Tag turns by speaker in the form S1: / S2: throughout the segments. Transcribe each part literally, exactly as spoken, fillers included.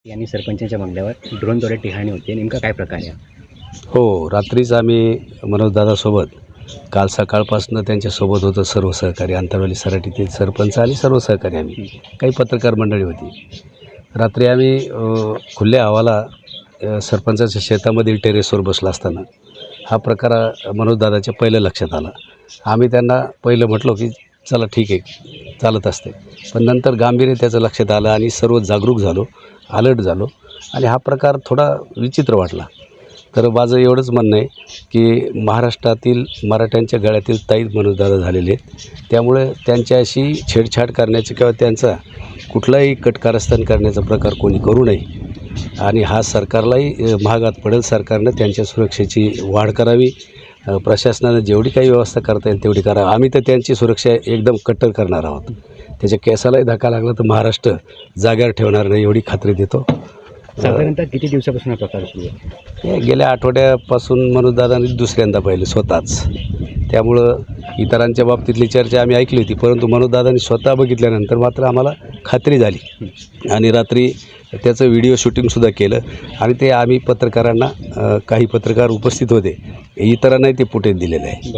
S1: यांनी सरपंचांच्या बंगल्यावर ड्रोनद्वारे टिहाणी होती. नेमका काय प्रकार आहे?
S2: हो, रात्रीच आम्ही मनोजदादासोबत काल सकाळपासून त्यांच्यासोबत होतं सर्व सहकारी अंतरवाली सराटीतील सरपंच आणि सर्व सहकारी आम्ही काही पत्रकार मंडळी होती. रात्री आम्ही अ, खुल्या हवाला अ, सरपंचाच्या शेतामधील टेरेसवर बसला असताना हा प्रकार अ, मनोजदादाच्या पहिलं लक्षात आला. आम्ही त्यांना पहिलं म्हटलो की चला ठीक आहे, चालत असते. पण नंतर गांभीर्य त्याचं लक्षात आलं आणि सर्व जागरूक झालो, अलर्ट झालो आणि हा प्रकार थोडा विचित्र वाटला. तर माझं एवढंच म्हणणं आहे की महाराष्ट्रातील मराठ्यांच्या गळ्यातील ताईत मनोजदादा झालेले आहेत. त्यामुळे त्यांच्याशी छेडछाड करण्याची किंवा त्यांचा कुठलाही कटकारस्थान करण्याचा प्रकार कोणी करू नये आणि हा सरकारलाही महागात पडेल. सरकारनं त्यांच्या सुरक्षेची वाढ करावी. प्रशासनानं जेवढी काही व्यवस्था करता येईल तेवढी करावी. आम्ही तर त्यांची सुरक्षा एकदम कट्टर करणार आहोत. त्याच्या केसालाही धक्का लागला तर महाराष्ट्र जाग्यावर ठेवणार नाही एवढी खात्री देतो.
S1: साधारणतः किती दिवसापासून हा प्रकार सुरू आहे?
S2: हे गेल्या आठवड्यापासून मनोजदादांनी दुसऱ्यांदा पाहिलं स्वतःच. त्यामुळं इतरांच्या बाबतीतली चर्चा आम्ही ऐकली होती, परंतु मनोजदादांनी स्वतः बघितल्यानंतर मात्र आम्हाला खात्री झाली आणि रात्री त्याचं व्हिडिओ शूटिंगसुद्धा केलं आणि ते आम्ही पत्रकारांना अ, काही पत्रकार उपस्थित होते, इतरांनाही ते फुटेज दिलेलं आहे.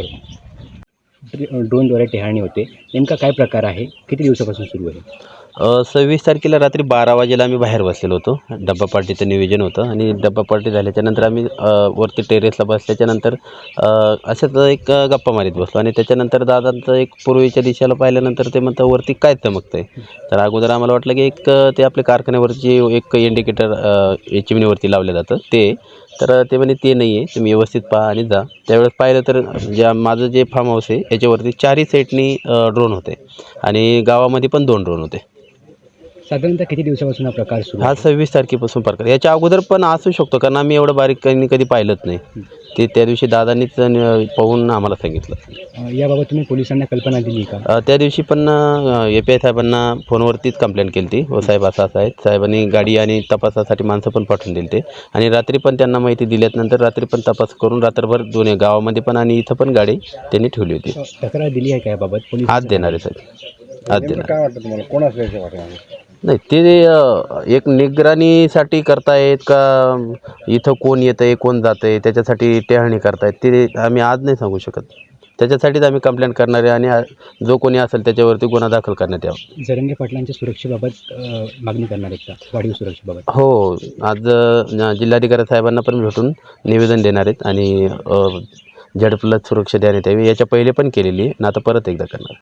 S1: बरोबर. ड्रोनद्वारे टिहाणी होते. नेमका काय प्रकार आहे? किती दिवसापासून सुरू आहे?
S3: सव्वीस तारखेला रात्री बारा वाजेला आम्ही बाहेर बसलेलो होतो. डब्बा पार्टीचं नियोजन होतं आणि डब्बा पार्टी झाल्याच्यानंतर आम्ही अ, वरती टेरेसला बसल्याच्यानंतर अ, असंच एक गप्पा मारीत बसलो आणि त्याच्यानंतर दादांचं एक पूर्वीच्या दिशेला पाहिल्यानंतर ते म्हणतं वरती काय चमकतं आहे. तर अगोदर आम्हाला वाटलं की एक ते आपल्या कारखान्यावरची एक इंडिकेटर चिमणीवरती लावलं जातं ते. तर ते म्हणे ते नाही आहे, तुम्ही व्यवस्थित पहा आणि जा. त्यावेळेस पाहिलं तर ज्या माझं जे फार्म हाऊस आहे याच्यावरती चारही साईडनी ड्रोन होते आणि गावामध्ये पण दोन ड्रोन होते.
S1: साधारणतः किती दिवसापासून हा प्रकार सुरू
S3: हा सव्वीस तारखेपासून प्रकार. याच्या अगोदर पण असू शकतो कारण आम्ही एवढं बारीकाईने कधी पाहिलंच नाही. ते त्या दिवशी दादांनीच पाहून आम्हाला सांगितलं.
S1: आहे? याबाबत तुम्ही पोलिसांना कल्पना दिली का?
S3: अ, त्या दिवशी पण ए पी आय साहेबांना फोनवरतीच कंप्लेंट केली होती. हो साहेब असं असं आहे. साहेबांनी गाडी आणि तपासासाठी माणसं पण पाठवून दिली ते आणि रात्री पण त्यांना माहिती दिल्यानंतर रात्री पण तपास करून रात्रभर दोन्ही गावामध्ये पण आणि इथं पण गाडी त्यांनी ठेवली होती.
S1: तक्रार दिली आहे का याबाबत? पोलीस
S3: आज देणार आहे साहेब, आज देणार.
S1: काय वाटतं तुम्हाला? कोण असल्याचं वाटतं?
S3: नाही ते अ, एक निगराणीसाठी करतायत का इथं कोण येतं आहे कोण जातं आहे त्याच्यासाठी टेहाणी करतायत ते आम्ही आज नाही सांगू शकत. त्याच्यासाठीच आम्ही कंप्लेंट करणार आहे आणि आ- जो कोणी असेल त्याच्यावरती गुन्हा दाखल करण्यात यावा.
S1: जरंगे पाटलांच्या सुरक्षेबाबत अ, मागणी करणार आहेत का? वाढीव सुरक्षेबाबत?
S3: हो, आज अ, जिल्हाधिकारी साहेबांना पण भेटून निवेदन देणार आहेत आणि झेड प्लस सुरक्षा देण्यात यावी. याच्या पहिले पण केलेली आहे आणि आता परत एकदा करणार.